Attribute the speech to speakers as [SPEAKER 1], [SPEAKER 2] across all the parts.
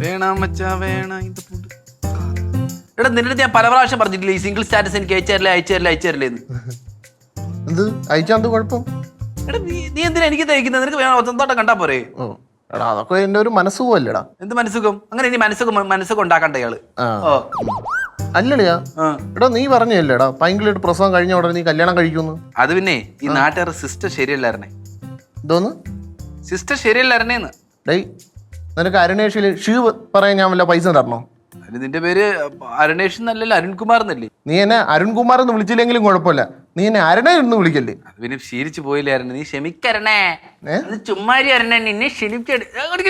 [SPEAKER 1] വേണം മച്ചാ വേണം ഇത് ഫുഡ്. എടാ നിന്റെ അടുത്ത് ഞാൻ പല പ്രാവശ്യം പറഞ്ഞിട്ടില്ലേ ഈ സിംഗിൾ സ്റ്റാറ്റസ് എനിക്ക് അയച്ചു എന്ന്.
[SPEAKER 2] എന്ത് അയച്ചാന്ത് കുഴപ്പം?
[SPEAKER 1] എടാ നീ എന്തിനാ എനിക്ക് തയ്ക്കുന്നത്? നിനക്ക് വേണം സ്വന്തമായിട്ട് കണ്ടാ പോരെ?
[SPEAKER 2] എടാ അതൊക്കെ എന്റെ ഒരു മനസ്സുഖമല്ലേടാ.
[SPEAKER 1] എന്ത് മനസ്സുഖം? അങ്ങനെ ഇനി മനസ്സുഖം ഉണ്ടാക്കണ്ട ഇയാള്.
[SPEAKER 2] അല്ലടിയാ എടാ നീ പറഞ്ഞല്ലേടാ പൈങ്കിളിട്ട് പ്രസവം കഴിഞ്ഞ ഉടനെ നീ കല്യാണം കഴിക്കുന്നു.
[SPEAKER 1] അത് പിന്നെ ഈ നാട്ടുകാരുടെ സിസ്റ്റർ ശരിയല്ലായിരുന്നേ.
[SPEAKER 2] എന്തോന്ന്
[SPEAKER 1] സിസ്റ്റർ ശരിയല്ലായിരുന്നേന്ന്?
[SPEAKER 2] ഡേയ് നിനക്ക് അരുണേഷിൽ ഷീ പറയാൻ ഞാൻ വല്ല പൈസ തരണോ?
[SPEAKER 1] അതിന് നിന്റെ പേര് അരുണേഷ് എന്നല്ലല്ലോ, അരുൺകുമാർ എന്നല്ലേ?
[SPEAKER 2] നീ എന്നെ അരുൺകുമാർ എന്ന് വിളിച്ചില്ലെങ്കിലും കുഴപ്പമില്ല, നീ എന്നെ അരുണേ എന്ന് വിളിക്കല്ലേ.
[SPEAKER 1] അത് പിന്നെ ശീലിച്ചു പോയില്ലായിരുന്നു. നീ ക്ഷമിക്കരണേ, ചുമ്മാരി അരണേ, നിന്നെ ക്ഷണിച്ചെടു.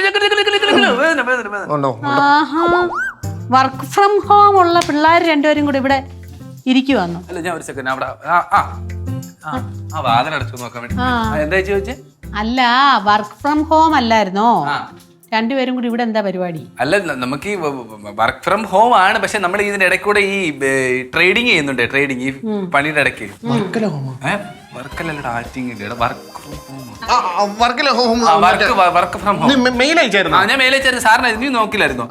[SPEAKER 3] വർക്ക് ഫ്രം ഹോം ഉള്ള പിള്ളേർ രണ്ടുപേരും കൂടി ഇവിടെ ഇരിക്കുവാന്നു.
[SPEAKER 1] അല്ല ഞാൻ ഒരു സെക്കൻഡ് അവിടെ വാതിലടച്ചു നോക്കാൻ വേണ്ടി. എന്താ ചോദിച്ചേ?
[SPEAKER 3] അല്ല വർക്ക് ഫ്രം ഹോം അല്ലായിരുന്നോ? രണ്ടുപേരും കൂടി ഇവിടെ എന്താ പരിപാടി? അല്ല
[SPEAKER 1] നമുക്ക് ഈ വർക്ക് ഫ്രം ഹോം ആണ്, പക്ഷെ നമ്മൾ ഇതിന്റെ ഇടയ്ക്ക് കൂടെ ഈ ട്രേഡിങ് ചെയ്യുന്നുണ്ട്. ട്രേഡിങ് ഈ പണിയുടെ ഇടയ്ക്ക്. വർക്കല്ലടാ, ആക്ടിങ് വർക്ക് ഫ്രം ഹോം. ഞാൻ മെയിൽ അയച്ചായിരുന്നു സാറിന്. നീ നോക്കില്ലായിരുന്നോ?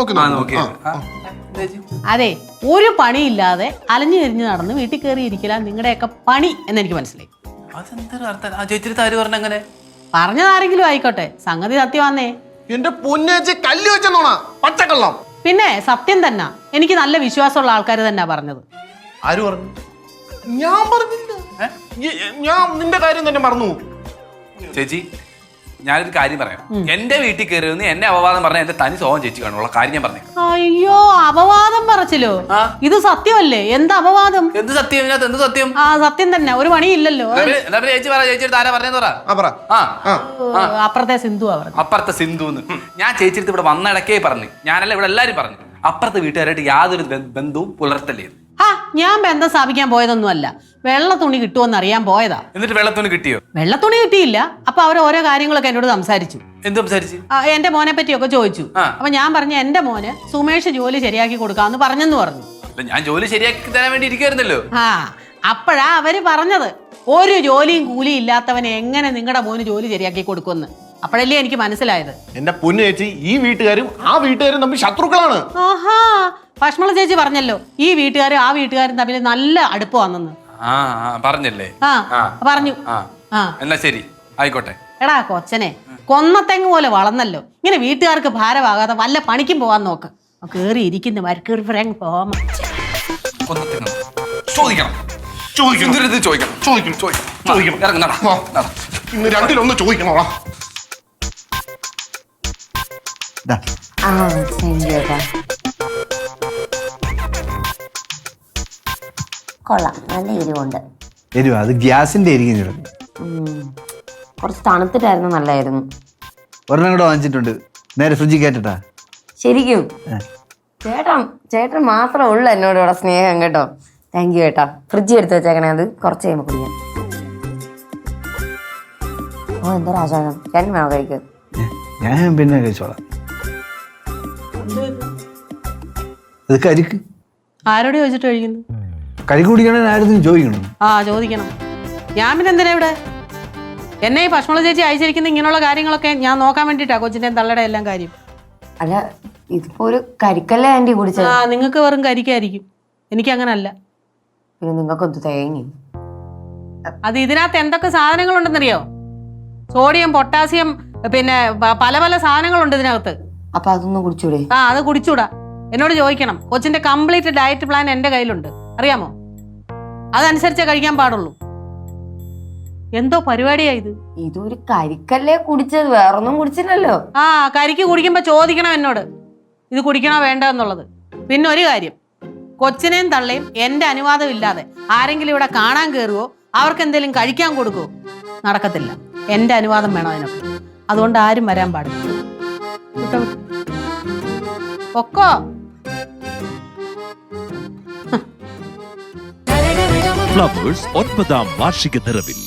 [SPEAKER 3] അതെ, ഒരു പണിയില്ലാതെ അലഞ്ഞു തിരിഞ്ഞ് നടന്ന് വീട്ടിൽ കയറി ഇരിക്കില്ല നിങ്ങളുടെയൊക്കെ പണി എന്നെനിക്ക് മനസ്സിലായി.
[SPEAKER 1] അതെന്താ അർത്ഥം? ചേച്ചി താര് പറഞ്ഞ അങ്ങനെ?
[SPEAKER 3] പറഞ്ഞതാരെങ്കിലും ആയിക്കോട്ടെ, സംഗതി സത്യമാന്നേ.
[SPEAKER 2] എന്റെ പൊന്നേച്ചി കല്ല് വെച്ചെന്നോണ പച്ചക്കള്ളം.
[SPEAKER 3] പിന്നെ സത്യം തന്നെ, എനിക്ക് നല്ല വിശ്വാസമുള്ള ആൾക്കാർ തന്നെ പറഞ്ഞത്.
[SPEAKER 2] ആര് പറഞ്ഞു? ഞാൻ പറഞ്ഞില്ല. ഞാൻ നിന്റെ കാര്യം തന്നെ മറന്നു.
[SPEAKER 1] ചേച്ചി ഞാനൊരു കാര്യം പറയാം. എന്റെ വീട്ടിൽ കയറി എന്നെ അപവാദം പറഞ്ഞ എന്റെ തനി സ്വഭാവം ചേച്ചി കാണുള്ള കാര്യം ഞാൻ പറഞ്ഞു.
[SPEAKER 3] അയ്യോ അപവാദം പറച്ചിലോ? ഇത് സത്യമല്ലേ? എന്ത് അപവാദം?
[SPEAKER 1] എന്ത് സത്യം? ഇതിനകത്ത് എന്ത് സത്യം?
[SPEAKER 3] ആ സത്യം തന്നെ, ഒരു പണിയില്ലല്ലോ.
[SPEAKER 1] ചേച്ചി പറ, ചേച്ചിയുടെ ആരാ പറഞ്ഞെന്ന് പറ.
[SPEAKER 3] അപ്പുറത്തെ സിന്ധു.
[SPEAKER 1] അപ്പുറത്തെ സിന്ധു. ഞാൻ ചേച്ചിയുടെ ഇവിടെ വന്നിടക്കേ പറഞ്ഞു. ഞാനല്ല ഇവിടെ എല്ലാരും പറഞ്ഞു. അപ്പുറത്തെ വീട്ടുകാരായിട്ട് യാതൊരു ബന്ധവും പുലർത്തല്ലേ.
[SPEAKER 3] ഞാൻ ബന്ധം സ്ഥാപിക്കാൻ പോയതൊന്നും അല്ല, വെള്ള തുണി കിട്ടുമെന്ന് അറിയാൻ പോയതാ.
[SPEAKER 1] എന്നിട്ട് വെള്ളത്തുണി കിട്ടിയോ?
[SPEAKER 3] വെള്ളത്തുണി കിട്ടിയില്ല. അപ്പൊ അവർ ഓരോ കാര്യങ്ങളൊക്കെ എന്നോട് സംസാരിച്ചു.
[SPEAKER 1] എന്ത് സംസാരിച്ചു?
[SPEAKER 3] എന്റെ മോനെ പറ്റിയൊക്കെ ചോദിച്ചു. അപ്പൊ ഞാൻ പറഞ്ഞു എന്റെ മോന് സുമേഷ് ജോലി ശരിയാക്കി കൊടുക്കാന്ന് പറഞ്ഞെന്ന് പറഞ്ഞു.
[SPEAKER 1] ഞാൻ ജോലി ശരിയാക്കി തരാൻ വേണ്ടി ഇരിക്കുവായിരുന്നല്ലോ.
[SPEAKER 3] അപ്പോഴാ അവര് പറഞ്ഞത് ഒരു ജോലിയും കൂലിയും ഇല്ലാത്തവനെ എങ്ങനെ നിങ്ങളുടെ മോന് ജോലി ശരിയാക്കി കൊടുക്കുമെന്ന്. അപ്പോഴല്ലേ എനിക്ക് മനസ്സിലായത്.
[SPEAKER 2] എന്റെ പൊന്നു ചേച്ചി, ഈ വീട്ടുകാരും ആ വീട്ടുകാരും തമ്മിൽ ശത്രുക്കളാണ്.
[SPEAKER 3] ആഹാ, ഭക്ഷണ ചേച്ചി പറഞ്ഞല്ലോ ഈ വീട്ടുകാരും ആ വീട്ടുകാരും തമ്മിൽ നല്ല അടുപ്പമാണെന്ന്.
[SPEAKER 1] പറഞ്ഞല്ലേ?
[SPEAKER 3] പറഞ്ഞു.
[SPEAKER 1] എന്നാ ശരി, ആയിക്കോട്ടെ.
[SPEAKER 3] എടാ കൊച്ചനെ, കൊന്നത്തെങ്ങ് പോലെ വളർന്നല്ലോ. ഇങ്ങനെ വീട്ടുകാർക്ക് ഭാരമാകാതെ വല്ല പണിക്കും പോവാൻ നോക്ക്. കേറി ഇരിക്കുന്ന മരക്കേറി പോവാൻ
[SPEAKER 2] രണ്ടിലൊന്ന് ചോദിക്കണോടാ.
[SPEAKER 4] കൊള്ളാം, നല്ല എരിവുണ്ട്.
[SPEAKER 5] എരിവ് അത് ഗ്യാസിന്റെ ആയിരിക്കും.
[SPEAKER 4] കുറച്ച് തണുത്തിട്ടായിരുന്നു, നല്ലായിരുന്നു.
[SPEAKER 5] ഒരെണ്ണം കൂടെ വാങ്ങിച്ചിട്ടുണ്ട്, നേരെ ഫ്രിഡ്ജിൽ കയറ്റട്ടാ.
[SPEAKER 4] ശരിക്കും ചേട്ടൻ മാത്രമേ ഉള്ളൂ എന്നോട് ഇവിടെ സ്നേഹം കേട്ടോ. താങ്ക് യു ചേട്ടാ. ഫ്രിഡ്ജിൽ എടുത്ത് വെച്ചേക്കണേ, അത് കുറച്ച് കഴിയുമ്പോൾ കുടിക്കാം. ഓ എന്താ രാജാനം, ചേട്ടൻ വേണോ കഴിക്കുക?
[SPEAKER 5] ഞാൻ പിന്നെ കഴിച്ചോളാം. അത് കരിക്ക്.
[SPEAKER 3] ആരോട് ചോദിച്ചിട്ട് കഴിക്കുന്നു?
[SPEAKER 5] കരിക്ക് കുടിക്കണേ ആരും ചോദിക്കണം.
[SPEAKER 3] ചോദിക്കണം. ഞാൻ പിന്നെ എന്തിനാ ഇവിടെ? എന്നെ ഈ ഭക്ഷണ ചേച്ചി അയച്ചിരിക്കുന്ന ഇങ്ങനെയുള്ള കാര്യങ്ങളൊക്കെ ഞാൻ നോക്കാൻ വേണ്ടിട്ടാ, കൊച്ചിന്റെ തള്ളയുടെ എല്ലാം കാര്യം.
[SPEAKER 4] അല്ല ഇതിപ്പോ ഒരു കരിക്കല്ലേ ആന്റി കുടിച്ചത്?
[SPEAKER 3] നിങ്ങൾക്ക് വെറും കരിക്കായിരിക്കും, എനിക്ക് അങ്ങനെ അല്ല.
[SPEAKER 4] പിന്നെ നിങ്ങൾക്കൊന്ന് തേങ്ങി.
[SPEAKER 3] അത് ഇതിനകത്ത് എന്തൊക്കെ സാധനങ്ങളുണ്ടെന്നറിയോ? സോഡിയം, പൊട്ടാസ്യം, പിന്നെ പല പല സാധനങ്ങളുണ്ട് ഇതിനകത്ത്.
[SPEAKER 4] അപ്പൊ അതൊന്നും കുടിച്ചൂടെ?
[SPEAKER 3] അത് കുടിച്ചൂടാ. എന്നോട് ചോദിക്കണം. കൊച്ചിന്റെ കംപ്ലീറ്റ് ഡയറ്റ് പ്ലാൻ എന്റെ കയ്യിലുണ്ട്, അറിയാമോ? അതനുസരിച്ചേ കഴിക്കാൻ പാടുള്ളൂ. എന്തോ പരിപാടിയാ ഇത്?
[SPEAKER 4] ഇതൊരു കരിക്കല്ലേ കുടിച്ചത്, വേറൊന്നും കുടിച്ചില്ലല്ലോ.
[SPEAKER 3] കരിക്ക് കുടിക്കുമ്പോ ചോദിക്കണം എന്നോട് ഇത് കുടിക്കണോ വേണ്ട എന്നുള്ളത്. പിന്നെ ഒരു കാര്യം, കൊച്ചിനെയും തള്ളയും എന്റെ അനുവാദം ഇല്ലാതെ ആരെങ്കിലും ഇവിടെ കാണാൻ കയറുവോ അവർക്ക് എന്തെങ്കിലും കഴിക്കാൻ കൊടുക്കുവോ നടക്കത്തില്ല. എന്റെ അനുവാദം വേണം അതിനൊക്കെ. അതുകൊണ്ട് ആരും വരാൻ പാടില്ല. പൊക്കോ.
[SPEAKER 6] ഫ്ലവേഴ്സ് 9ാം വാർഷിക നിറവിൽ